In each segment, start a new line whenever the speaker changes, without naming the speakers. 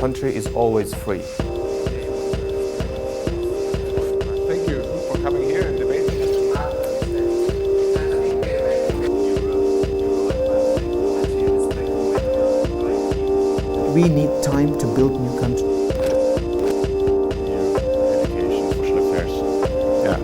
country is always free.
Thank you for coming here and debating.
We need time to build new country.
Education, social affairs. Yeah.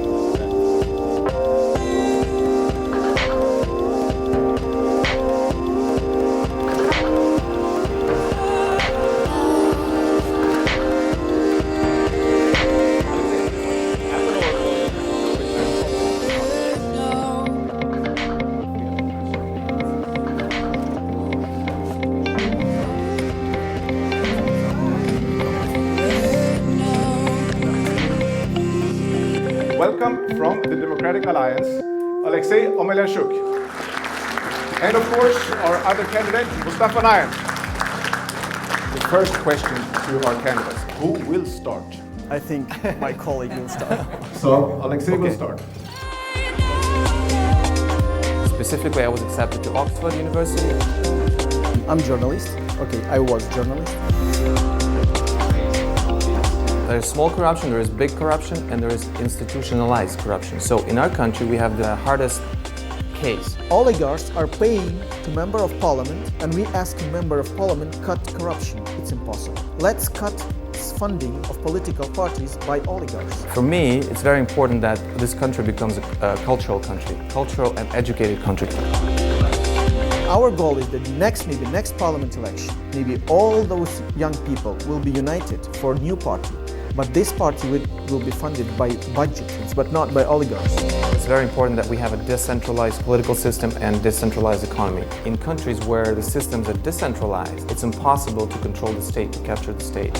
Welcome from the Democratic Alliance, Alexei Omelyashuk. And of course, our other candidate, Mustafa Nayyem. The first question to our candidates, who will start?
I think my colleague will start.
So, Alexei will start.
Specifically, I was accepted to Oxford University.
I'm journalist. Okay, I was journalist.
There is small corruption, there is big corruption, and there is institutionalized corruption. So in our country, we have the hardest case.
Oligarchs are paying to member of parliament, and we ask a member of parliament cut corruption. It's impossible. Let's cut funding of political parties by oligarchs.
For me, it's very important that this country becomes a cultural country, cultural and educated country.
Our goal is that maybe next parliament election, maybe all those young people will be united for a new party. But this party will be funded by budgets, but not by oligarchs.
It's very important that we have a decentralized political system and decentralized economy. In countries where the systems are decentralized, it's impossible to control the state, to capture the state.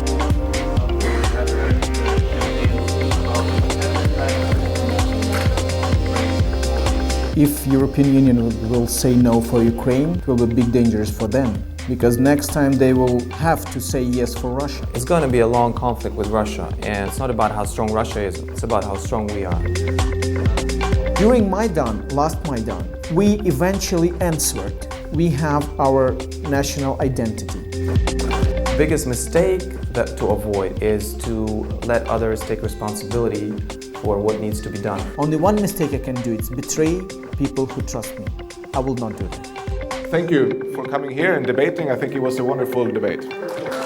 If European Union will say no for Ukraine, it will be big dangers for them. Because next time they will have to say yes for Russia.
It's going to be a long conflict with Russia, and it's not about how strong Russia is, it's about how strong we are.
During last Maidan, we eventually answered. We have our national identity.
The biggest mistake to avoid is to let others take responsibility for what needs to be done.
Only one mistake I can do, it's betray people who trust me. I will not do that.
Thank you for coming here and debating. I think it was a wonderful debate.